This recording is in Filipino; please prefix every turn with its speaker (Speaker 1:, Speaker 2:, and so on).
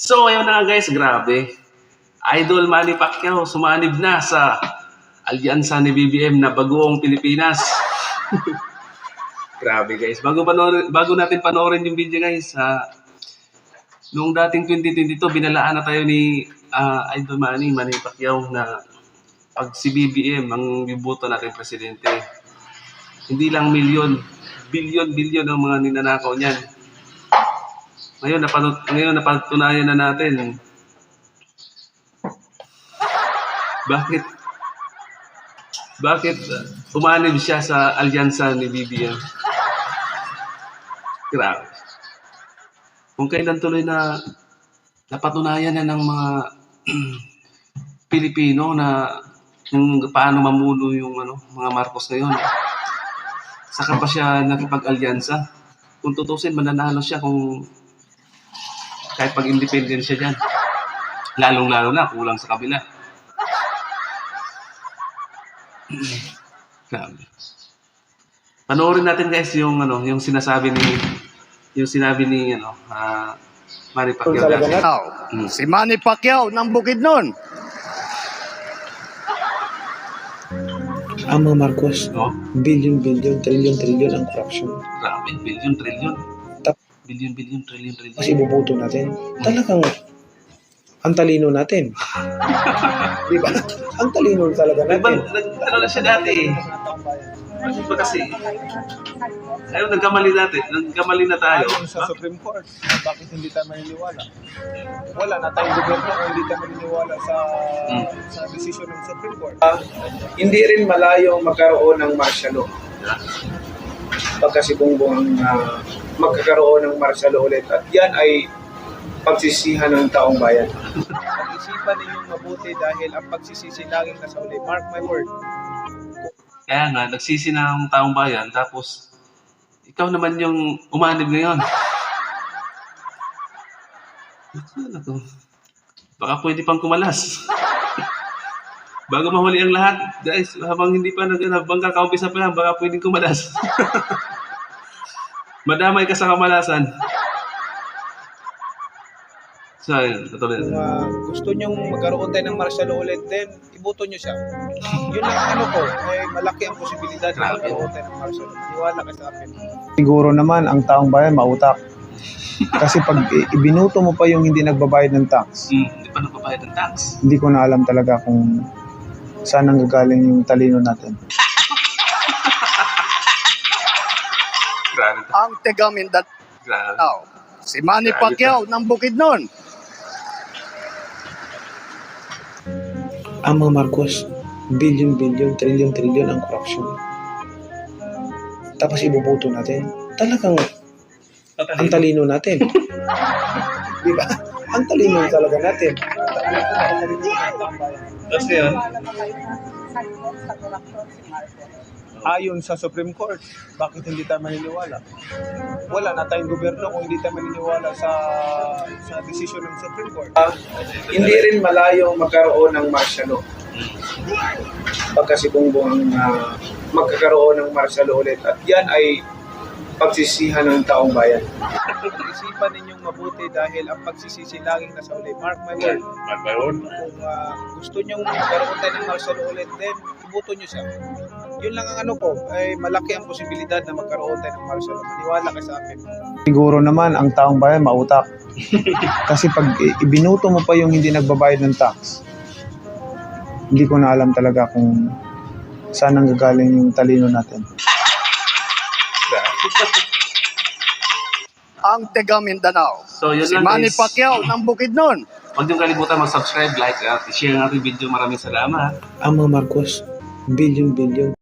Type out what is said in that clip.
Speaker 1: So, ayun na nga guys, grabe. Idol Manny Pacquiao sumanib na sa alyansa ni BBM na Bagoong Pilipinas. Grabe guys. Bago natin panoorin yung video guys, noong dating 2022, binalaan na tayo ni Idol Manny Pacquiao na pag si BBM ang biboto natin presidente, hindi lang milyon, bilyon ang mga ninanakaw niyan. Ngayon napatunayan na natin bakit umanib siya sa alyansa ni BBM. Grabe. Kung kailan tuloy na napatunayan na ng mga Pilipino na kung paano mamuno yung mga Marcos ngayon. Saka pa siya nakipag-alyansa. Kung tutusin, mananalo siya kung kahit pag-independent siya dyan. Lalong-lalo na, kulang sa kabila. Grabe. Panoorin natin guys yung sinabi ni Manny Pacquiao.
Speaker 2: Si Manny Pacquiao ng Bukidnon.
Speaker 3: Ang mga Marcos, billion, trillion ang corruption.
Speaker 1: Grabe, billion, trillion. Billion, trillion.
Speaker 3: Kasi ibubuto natin. Talagang ang talino natin. Di ba? Ang talino talaga natin.
Speaker 1: Ano na siya dati eh. Ano ba kasi? Ayun, nagkamali na tayo.
Speaker 4: Ayon sa Supreme Court, bakit hindi tayo maniniwala? Wala na tayong gobyerno kung hindi tayo maniniwala sa desisyon ng Supreme Court.
Speaker 3: Hindi rin malayo magkaroon ng martial law. Pagkasibungbong magkakaroon ng martial law ulit. At yan ay pagsisihan ng taong bayan.
Speaker 4: Pag-isipan ninyong mabuti dahil ang pagsisisi laging nasa uli. Mark my word.
Speaker 1: Kaya nga, nagsisi na ang taong bayan, tapos ikaw naman yung umanib ngayon. Ano to? Baka pwede pang kumalas. Bago mahuli ang lahat, guys, habang hindi pa habang kakaumpisa pa lang, baka pwedeng kumalas. Madamay ka sa kamalasan. So, ayun, tutuloy.
Speaker 4: Kung gusto nyong magkaroon tayo ng martial law ulit, then iboto nyo siya. Yun lang malaki ang posibilidad na magkaroon tayo ng martial law. Iwala ka sa akin.
Speaker 5: Siguro naman ang taong bayan mautak. Kasi pag ibinuto mo pa yung hindi nagbabayad ng tax,
Speaker 1: Hindi pa nagbabayad ng tax.
Speaker 5: hindi ko na alam talaga kung saan ang gagaling yung talino natin.
Speaker 1: Grabe.
Speaker 2: Ang taga Mindanao.
Speaker 1: Grabe.
Speaker 2: Si Manny Pacquiao ng Bukidnon.
Speaker 3: Ang mga Marcos, billion, trillion ang corruption. Tapos ibubuto natin. Talagang ang talino natin. Di ba? Ang talino talaga natin.
Speaker 1: Tapos yun,
Speaker 4: Ayon sa Supreme Court, bakit hindi tayo maniniwala? Wala na tayong gobyerno kung hindi tayo maniniwala sa desisyon ng Supreme Court.
Speaker 3: Hindi rin malayo magkaroon ng martial law. Pagkasibungbong magkakaroon ng martial law ulit. At yan ay pagsisihan ng taong bayan.
Speaker 4: Pag-isipan ninyong mabuti dahil ang pagsisisi laging nasa uli. Mark my word. Kung gusto nyong magkaroon tayo ng martial law ulit, then iboto nyo siya. Yun lang ang malaki ang posibilidad na magkaroon tayo ng martial law. Maniwala ka sa akin.
Speaker 5: Siguro naman ang taong bayan mautak. Kasi pag ibinuto mo pa yung hindi nagbabayad ng tax, hindi ko na alam talaga kung saan ang gagaling yung talino natin.
Speaker 2: Ang taga Mindanao.
Speaker 1: So, yun
Speaker 2: Si
Speaker 1: lang,
Speaker 2: Manny
Speaker 1: guys.
Speaker 2: Pacquiao ng Bukidnon.
Speaker 1: Huwag niyong kalimutan mag-subscribe, like, at i-share ang ating video. Maraming salamat.
Speaker 3: Ang mga Marcos, billion,